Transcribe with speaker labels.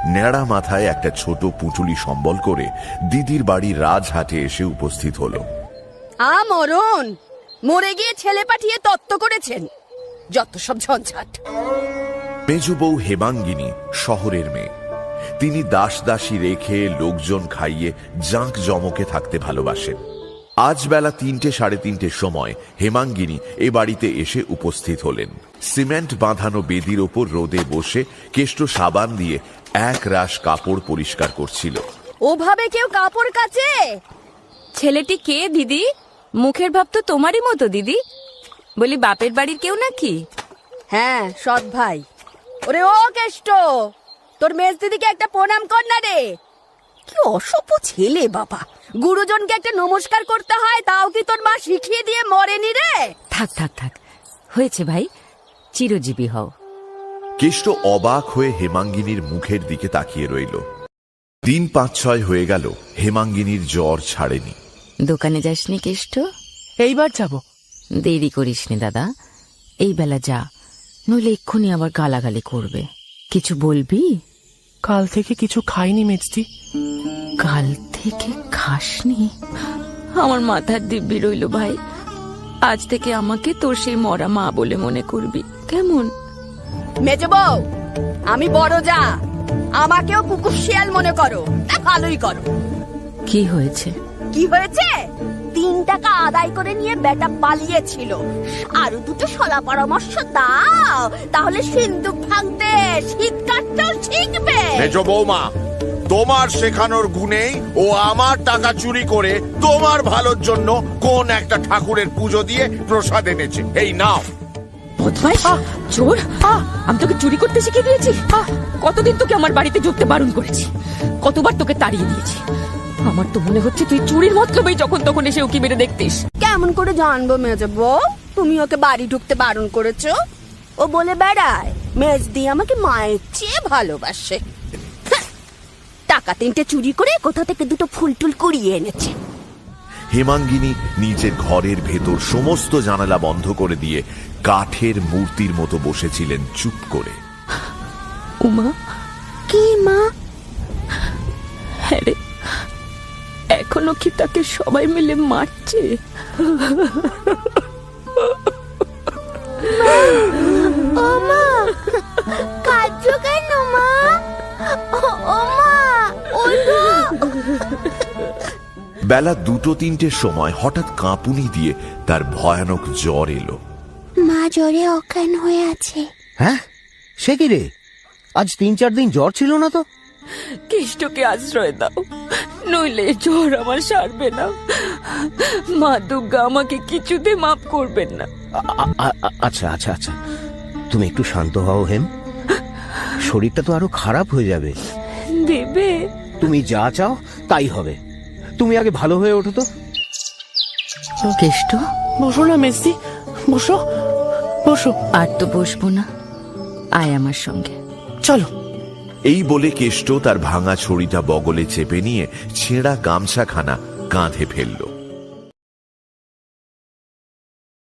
Speaker 1: ন্যাড়া মাথায় একটা ছোট পুঁটুলি সম্বল করে দিদির বাড়ি রাজহাটে এসে উপস্থিত হলো।
Speaker 2: মরণ, মরে গিয়ে ছেলে পাঠিয়ে তত্ত্ব করেছেন, যত সব ঝঞ্ঝাট।
Speaker 1: মেজো বউ হেমাঙ্গিনী শহরের মেয়ে। তিনি দাস দাসী রেখে লোকজন খাইয়ে জাঁক জমকে থাকতে ভালোবাসেন। আজ বেলা ৩টে সাড়ে ৩টের সময় হেমাঙ্গিনী এ বাড়িতে এসে উপস্থিত হলেন। সিমেন্ট বাঁধানো বেদির ওপর রোদে বসে কেষ্ট সাবান দিয়ে এক রাশ কাপড় পরিষ্কার করছিল।
Speaker 2: ওভাবে কেউ কাপড় কাচে?
Speaker 3: ছেলেটি কে দিদি? মুখের ভাব তো তোমারই মতো দিদি। বলি বাপের বাড়ির কেউ নাকি?
Speaker 2: হ্যাঁ, সৎ ভাই। ওরে ও কেষ্ট, তোর মেজ দিদিকে একটা প্রণাম কর না রে। কি অসভ্য ছেলে বাবা, গুরুজনকে একটা নমস্কার করতে হয়, তাও কি তোর মা শিখিয়ে দিয়ে মরেনি রে?
Speaker 3: থাক থাক থাক, হয়েছে ভাই, চিরজীবী হও।
Speaker 1: কেষ্ট অবাক হয়ে হেমাঙ্গিনীর মুখের দিকে তাকিয়ে রইল। দিন ৫-৬ হয়ে গেল, হেমাঙ্গিনীর জ্বর ছাড়েনি।
Speaker 3: দোকানে যাসনি কেষ্ট?
Speaker 4: এইবার যাব।
Speaker 3: দেরি করিসনি দাদা, এই বেলা যা, নইলে এক্ষুনি আবার গালাগালি করবে। কিছু বলবি?
Speaker 4: কাল থেকে কিছু খাইনি মেজদি।
Speaker 3: কাল থেকে খাসনি? আমার মাথার দিব্যি রইল ভাই, আজ থেকে আমাকে তোর সেই মরা মা বলে মনে করবি, কেমন?
Speaker 2: মেজো বউ, আমি বড় যা, আমাকেও কুকুর শিয়াল মনে করো, ভালোই করো।
Speaker 3: কি হয়েছে?
Speaker 2: কি হয়েছে? ৩ টাকা আদায় করে নিয়ে বেটা পালিয়েছিল। আরো দুটো সলা পরামর্শ দাও, তাহলে সিন্দুক ভাঙতে শীত কাটতেও শিখবে।
Speaker 5: মেজো বৌমা, তোমার শেখানোর গুণেই ও আমার টাকা চুরি করে তোমার ভালোর জন্য কোন একটা ঠাকুরের পুজো দিয়ে প্রসাদ এনেছে। এই নাও।
Speaker 3: বদমাইশ, চোর! আমি তোকে চুরি করতে শিখিয়ে দিয়েছি? কতদিন তোকে আমার বাড়িতে ঢুকতে বারণ করেছি, কতবার তোকে তাড়িয়ে দিয়েছি। আমার তো মনে হচ্ছে তুই চুরির মতলবেই যখন তখন এসে উকি মেরে দেখতিস।
Speaker 2: কেমন করে জানবো মেজো বউ তুমি ওকে বাড়ি ঢুকতে বারণ করেছো? ও বলে বেড়ায় মেজদি আমাকে মায়ের চেয়ে ভালোবাসে। টাকা 3টে চুরি করে কোথা থেকে দুটো ফুল টুল কুড়িয়ে এনেছে।
Speaker 1: হেমাঙ্গিনী নিজের ঘরের ভেতর সমস্ত জানালা বন্ধ করে দিয়ে কাঠের মূর্তির মতো বসেছিলেন চুপ করে।
Speaker 3: উমা!
Speaker 2: কি মা?
Speaker 3: হ্যাঁ রে, এখনো কি তাকে সবাই মিলে মারছে?
Speaker 2: ও মা, কাঁদছো কেন মা? ও মা, ওঠো।
Speaker 1: বেলা 2-3টের সময় হঠাৎ কাঁপুনি দিয়ে তার ভয়ানক জ্বর এলো।
Speaker 6: মা জ্বরে অজ্ঞান হয়ে আছে।
Speaker 7: হ্যাঁ, সে কি রে? আজ 3-4 দিন জ্বর ছিল না তো?
Speaker 3: কেষ্টকে আশ্রয় দাও, নইলে জ্বর আমার সারবে না। মা দুর্গা আমাকে কিছুতে মাফ করবেন না।
Speaker 7: আচ্ছা আচ্ছা আচ্ছা, তুমি একটু শান্ত হও হেম, শরীরটা তো আরো খারাপ হয়ে যাবে।
Speaker 3: দেবে?
Speaker 7: তুমি যা চাও তাই হবে, তুমি আগে ভালো হয়ে ওঠো তো।
Speaker 3: কেষ্ট,
Speaker 4: বসো না মেজদি, বসো বসো।
Speaker 3: আর তো বসবো না, আয় আমার সঙ্গে।
Speaker 4: চলো।
Speaker 1: এই বলে কেষ্ট তার ভাঙা ছড়িটা বগলে চেপে নিয়ে ছেঁড়া গামছাখানা কাঁধে ফেলল।